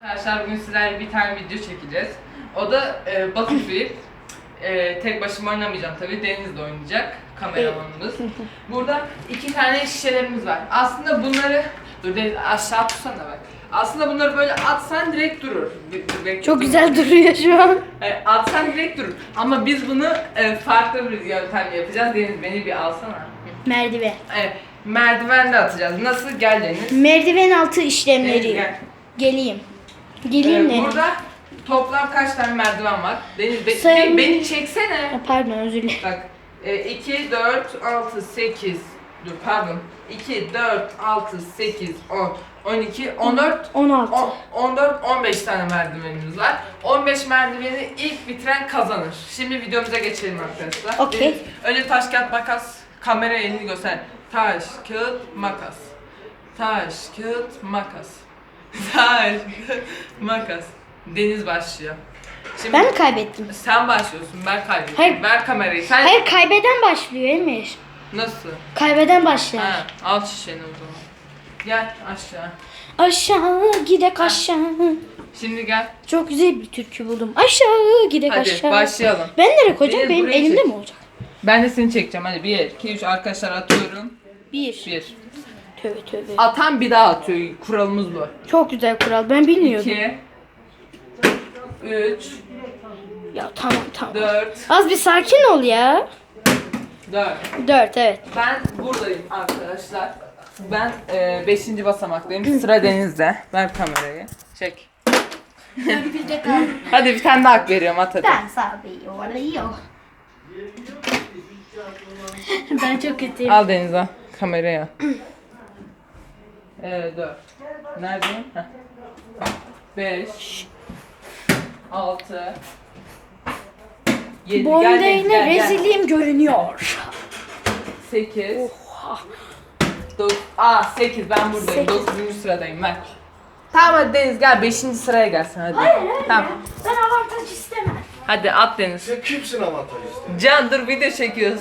Arkadaşlar bugün sizlerle bir tane video çekeceğiz. O da Battlefield. Tek başıma oynamayacağım tabii. Deniz de oynayacak. Kameramanımız. Burada 2 tane şişelerimiz var. Aslında bunları... Dur Deniz aşağı tutsana bak. Aslında bunları böyle atsan direkt durur. Çok güzel duruyor şu an. Atsan direkt durur. Ama biz bunu farklı bir yöntemle yapacağız. Deniz beni bir alsana. Merdiven. Merdivenle atacağız. Nasıl? Gel Deniz. Merdiven altı işlemleri. Deniz gel. Geleyim. Geleyim Deniz. Burada toplam kaç tane merdiven var? Deniz beni çeksene. Pardon özür dilerim. Bak 2, 4, 6, 8 dur pardon 2, 4, 6, 8, 10, 12, 14, 16. 14, 15 tane merdivenimiz var. 15 merdiveni ilk bitiren kazanır. Şimdi videomuza geçelim arkadaşlar. Okey. Önce taş, kağıt, makas. Kameraya elini göster. Taş, kağıt, makas. Taş, kağıt, makas. Taş, kağıt, makas. Deniz başlıyor. Şimdi Ben mi kaybettim? sen başlıyorsun, ben kaybettim. Hayır. Ver kamerayı. Sen Hayır kaybeden başlıyor Emir. nasıl? Kaybeden başlar. Ha, al şişeni o zaman. Gel aşağı. Aşağı gidek aşağı. Şimdi gel. Çok güzel bir türkü buldum. Aşağı gidek Hadi aşağı. başlayalım. Ben nereye koyacağım? Deniz, Benim buraya elimde çek. mi olacak? Ben de seni çekeceğim. Hadi 1, 2, 3 arkadaşlar atıyorum. 1. 1. Tövbe tövbe. Atan bir daha atıyor. Kuralımız bu. Çok güzel kural. Ben bilmiyordum. 2 3 Ya tamam. 4 Az bir sakin ol ya. 4. 4 evet. Ben buradayım arkadaşlar. Ben 5. basamaktayım. Sıra Deniz'de. Ver kamerayı. Çek. Bir de kaldım. Hadi bir tane daha hak veriyorum at hadi. Ben sabıyorum. Ben çok kötüyüm. Al Deniz al. Kameraya. 4. Neredeyim? 5 6 7 Boyunda yine rezilliğim görünüyor. 8 8 ben buradayım. 9. sıradayım ben. Tamam hadi Deniz gel 5. sıraya gelsin hadi. Hayır. Tamam. Ben avantaj istemem. Hadi at Deniz. Sen kimsin avantaj işte? Can dur video çekiyoruz.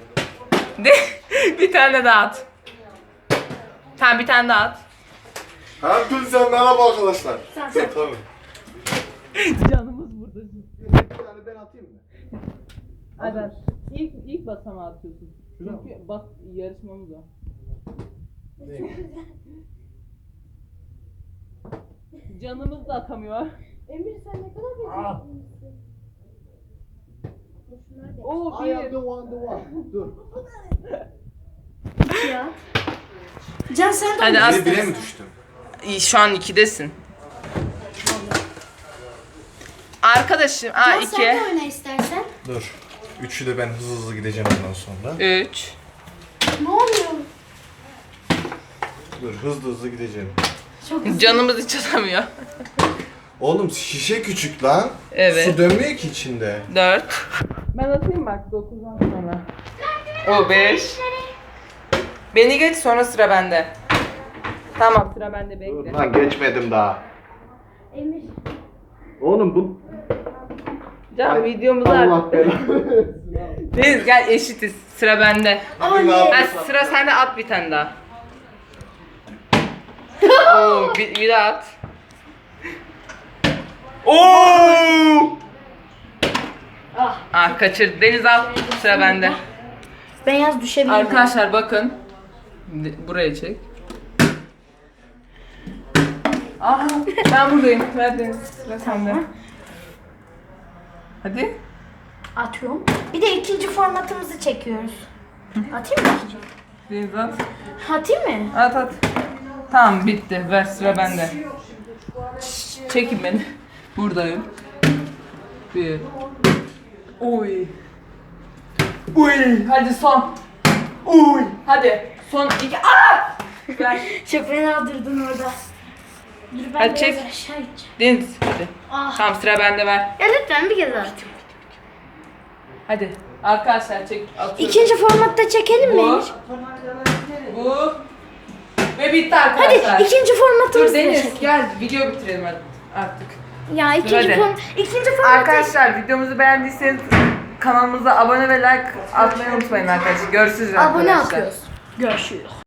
Bir tane daha at. Tamam bir tane daha at. Hepinize merhaba arkadaşlar. Sen. Tabii. Canımız burada. Bir tane ben atayım mı? Hadi at. İlk basamağı atıyorsun. Çünkü bak yarışmamız o. Canımız da atamıyor. Emir sen ne kadar Ah. Oo I am the bir. one. Dur. ya. Can sen de Hadi oyna. at. Bire mi düştüm? Şu an 2'desin. Arkadaşım, Can 2 sen de oyna istersen. Dur. Üçü de ben hızlı gideceğim ondan sonra. 3 Ne oluyor? Dur hızlı gideceğim. Çok güzel. Canımız hiç atamıyor. Oğlum şişe küçük lan. Evet. Su dönmüyor ki içinde. 4 Ben atayım bak 9'dan sonra. O 5 Beni geç sonra sıra bende. Tamam sıra bende bekle. Lan geçmedim daha. Emir. Oğlum bu... Can videomuzu Allah artık. belanı. Deniz gel eşitiz sıra bende. Hadi ne Ha, yapıyorsun? sıra sende at bir tane daha. Oo, bir daha at. Oo! Ah kaçırdı. Deniz al. Sıra bende. Beyaz düşebilir. Arkadaşlar bakın. Buraya çek. Aha ben buradayım. Ver Deniz. Sıra sende. Hadi. Atıyorum. Bir de ikinci formatımızı çekiyoruz. Atayım mı? Deniz at. Atayım mı? At at. Tamam bitti. Ver sıra bende. Çekin beni. Buradayım. 1 Oy. Uy. Hadi son. Uy. Hadi. Son 2. Aa! Ver. Çok fena durdun orada. Dur ben Hadi biraz çek. aşağı gideceğim. Deniz hadi. Ah. Tamam sıra bende ver. Ya lütfen bir kez at. Hadi. Arkadaşlar çek. Atıyorum. İkinci formatta çekelim mi Bu. Emir? Bu. Ve bitti Hadi arkadaşlar. ikinci formatımızı Dur da Deniz çekelim. gel video bitirelim artık. Ya ikinci hadi. formatı Arkadaşlar videomuzu beğendiyseniz kanalımıza abone ve like atmayı unutmayın arkadaşlar. Görüşürüz abone arkadaşlar. atıyoruz. Görüşürüz.